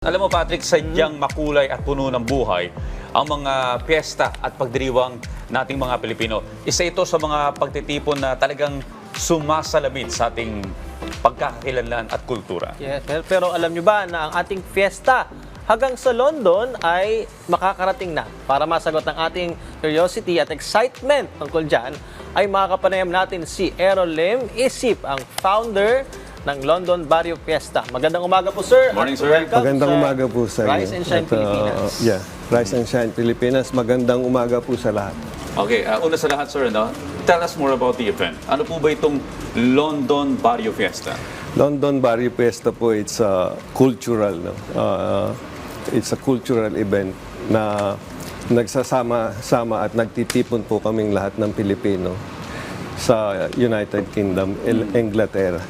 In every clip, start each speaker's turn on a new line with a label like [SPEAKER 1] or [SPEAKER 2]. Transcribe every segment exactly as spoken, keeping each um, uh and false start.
[SPEAKER 1] Alam mo Patrick, sadyang makulay at puno ng buhay ang mga piyesta at pagdiriwang nating mga Pilipino. Isa ito sa mga pagtitipon na talagang sumasalamin sa ating pagkakakilanlan at kultura.
[SPEAKER 2] Yes, pero, pero alam nyo ba na ang ating fiesta hanggang sa London ay makakarating na. Para masagot ang ating curiosity at excitement tungkol dyan, ay makakapanayam natin si Errol Lim Isip, ang founder ng London Barrio Fiesta. Magandang umaga po, sir.
[SPEAKER 1] Morning, sir.
[SPEAKER 2] Welcome
[SPEAKER 3] Magandang
[SPEAKER 2] sa
[SPEAKER 3] umaga po sa inyo.
[SPEAKER 2] Rise and Shine
[SPEAKER 3] At, uh,
[SPEAKER 2] Pilipinas.
[SPEAKER 3] yeah, Rise and Shine Pilipinas. Magandang umaga po sa lahat.
[SPEAKER 1] Okay, uh, una sa lahat sir, no? Tell us more about the event. Ano po ba itong London Barrio Fiesta?
[SPEAKER 3] London Barrio Fiesta po, it's a cultural, no? Uh, it's a cultural event na nagsasama-sama at nagtitipon po kaming lahat ng Pilipino sa United Kingdom, El- Inglaterra.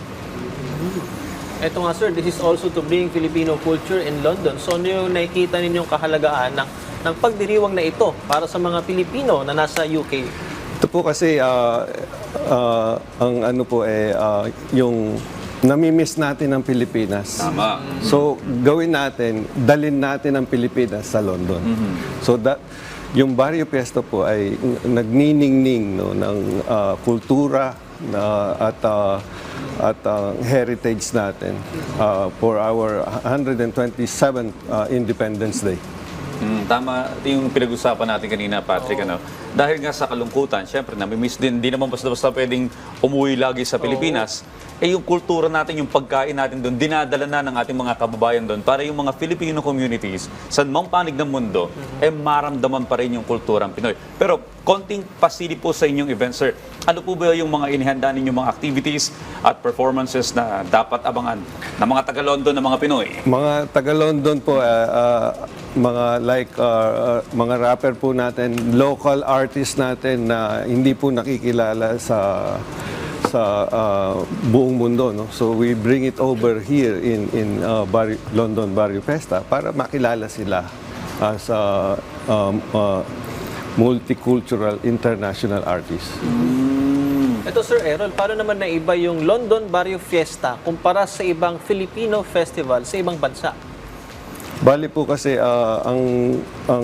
[SPEAKER 2] Ito nga, sir, this is also to bring Filipino culture in London. So, ano yung nakikita ninyong kahalagaan ng, ng pagdiriwang na ito para sa mga Pilipino na nasa U K?
[SPEAKER 3] Ito po kasi uh, uh, ang ano po eh uh, yung namimiss natin ang Pilipinas.
[SPEAKER 1] Tama.
[SPEAKER 3] So gawin natin, dalin natin ang Pilipinas sa London. So that yung Barrio Fiesta po ay nagniningning no ng uh, kultura na at uh, at uh, heritage natin uh, for our one hundred twenty-seventh uh, Independence Day.
[SPEAKER 1] Mm, tama yung pinag-usapan natin kanina, Patrick. Ano? Dahil nga sa kalungkutan, syempre, nami-miss din, di naman basta-basta pwedeng umuwi lagi sa Pilipinas. Eh yung kultura natin, yung pagkain natin doon, dinadala na ng ating mga kababayan doon para yung mga Filipino communities, sa mang panig ng mundo, eh maramdaman pa rin yung kulturang Pinoy. Pero konting pasilip po sa inyong event, sir. Ano po ba yung mga inihanda ninyong mga activities at performances na dapat abangan ng mga taga-London na mga Pinoy?
[SPEAKER 3] Mga taga-London po, uh, uh, mga like uh, uh, mga rapper po natin, local artists natin na hindi po nakikilala sa sa uh, buong mundo, no? So we bring it over here in in uh, Barrio, London Barrio Fiesta para makilala sila as a um, uh, multicultural international artist.
[SPEAKER 2] Ito, Sir Errol, paano naman naiba yung London Barrio Fiesta kumpara sa ibang Filipino festival sa ibang bansa?
[SPEAKER 3] Bali po kasi uh, ang ang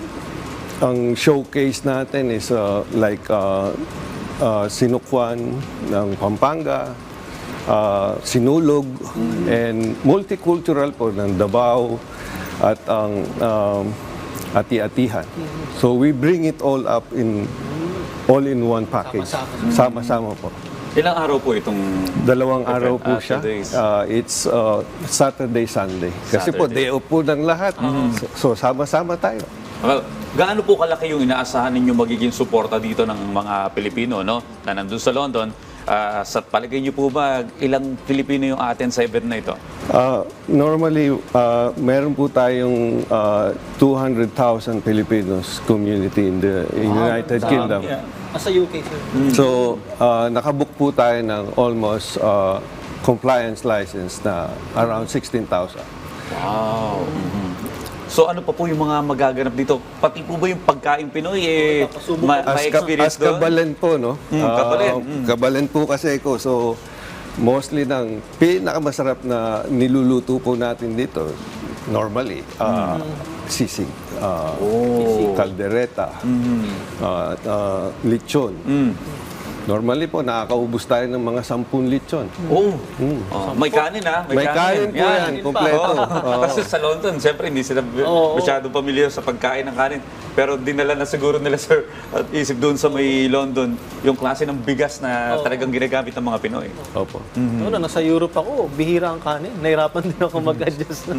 [SPEAKER 3] ang showcase natin is uh, like uh, uh, Sinukwan ng Pampanga, uh, Sinulog, and multicultural po ng Davao at ang um, Ati-Atihan. So we bring it all up in all in one package. Sama-sama po.
[SPEAKER 1] Ilang araw po itong
[SPEAKER 3] Dalawang
[SPEAKER 1] event?
[SPEAKER 3] araw po
[SPEAKER 1] Ah,
[SPEAKER 3] siya.
[SPEAKER 1] two days.
[SPEAKER 3] Uh, it's uh, Saturday, Sunday. Kasi po,
[SPEAKER 1] Saturday.
[SPEAKER 3] day off po ng lahat. So, so, sama-sama tayo.
[SPEAKER 1] Well, gaano po kalaki yung inaasahan ninyo magiging suporta dito ng mga Pilipino, no? Na nandun sa London. Ah, sa palagay niyo po ba, ilang Pilipino yung atin sa event na ito?
[SPEAKER 3] Uh, normally, uh, meron po tayong uh, two hundred thousand Filipinos community in the in United Kingdom.
[SPEAKER 1] Yeah.
[SPEAKER 2] Sa U K, sir.
[SPEAKER 3] So, uh, nakabook po tayo ng almost uh, compliance license na around sixteen thousand.
[SPEAKER 1] Wow. Mhm. So ano pa po yung mga magaganap dito? Pati po ba yung pagkain Pinoy, eh, ma-
[SPEAKER 3] As,
[SPEAKER 1] may
[SPEAKER 3] ka,
[SPEAKER 1] experience
[SPEAKER 3] as
[SPEAKER 1] doon?
[SPEAKER 3] kabalen po, no?
[SPEAKER 1] Mm,
[SPEAKER 3] Ah,
[SPEAKER 1] kabalen, mm.
[SPEAKER 3] kabalen po kasi ko. So, mostly ng pinakamasarap na niluluto po natin dito, normally, ah, sisig, ah,
[SPEAKER 1] Oh.
[SPEAKER 3] kaldereta, ah, ah, lechon.
[SPEAKER 1] Mm.
[SPEAKER 3] Normally po, nakakaubos tayo ng mga sampung lechon.
[SPEAKER 1] Oh. Oh, may kanin ha?
[SPEAKER 3] May kanin po yan, kompleto.
[SPEAKER 1] Oh. Kasi sa London, siyempre hindi sila
[SPEAKER 2] Oo.
[SPEAKER 1] masyadong pamilyar sa pagkain ng kanin. Pero dinala na siguro nila, sir, at isip doon sa may London, yung klase ng bigas na talagang ginagamit ng mga Pinoy.
[SPEAKER 3] Opo.
[SPEAKER 2] Noon, na nasa Europe ako, bihira ang kanin. Nahirapan din ako mag-adjust.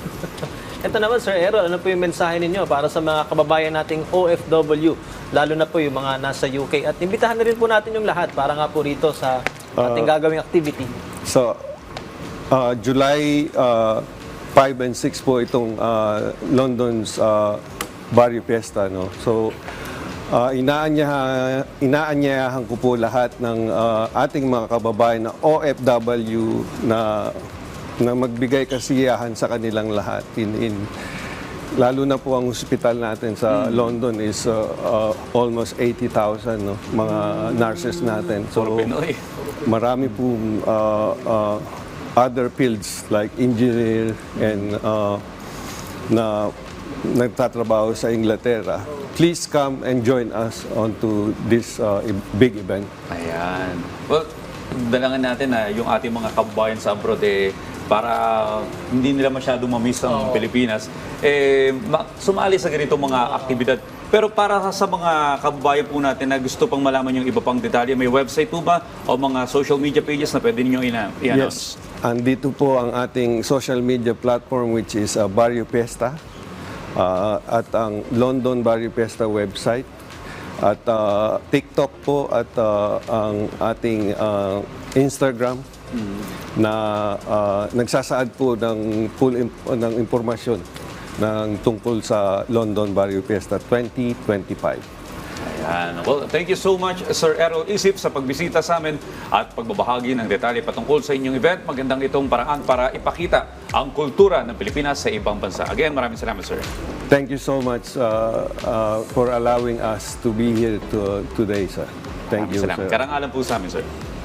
[SPEAKER 2] Ito naman, Sir Errol, ano po yung mensahe ninyo para sa mga kababayan nating O F W, lalo na po yung mga nasa U K? At imbitahan na rin po natin yung lahat para nga po rito sa ating gagawing activity.
[SPEAKER 3] So, uh, July uh, five and six po itong uh, London's uh, Barrio Fiesta, no? So, uh, inaanyahan, inaanyayahan ko po lahat ng uh, ating mga kababayan na O F W na na magbigay kasiyahan sa kanilang lahat in in lalo na po ang ospital natin sa London is uh, uh, almost eighty thousand, no, mga nurses natin. So
[SPEAKER 1] Puro Pinoy.
[SPEAKER 3] marami po uh, uh, other fields like engineer and uh, na nagtatrabaho sa Inglaterra, please come and join us onto this uh, i- big event.
[SPEAKER 1] Ayan. Well, dalangan natin na yung ating mga kababayan sa abroad eh, para hindi nila masyado mamiss ang Pilipinas, eh, ma- sumali sa ganitong mga aktibidad. Pero para sa mga kababayan po natin na gusto pang malaman yung iba pang detalye, may website po ba o mga social media pages na pwede ninyong ina- i-announce?
[SPEAKER 3] Yes. Andito po ang ating social media platform which is uh, Barrio Fiesta uh, at ang London Barrio Fiesta website at uh, TikTok po at uh, ang ating uh, Instagram na uh, nagsasaad po ng full imp- ng impormasyon ng tungkol sa London Barrio Fiesta twenty twenty-five.
[SPEAKER 1] Ayan. Well, thank you so much, Sir Errol Isip, sa pagbisita sa amin at pagbabahagi ng detalye patungkol sa inyong event. Magandang itong paraan para ipakita ang kultura ng Pilipinas sa ibang bansa. Again, maraming salamat, sir.
[SPEAKER 3] Thank you so much uh, uh, for allowing us to be here to, today, sir. Thank you,
[SPEAKER 1] Salamat.
[SPEAKER 3] sir.
[SPEAKER 1] Karangalan po sa amin, sir.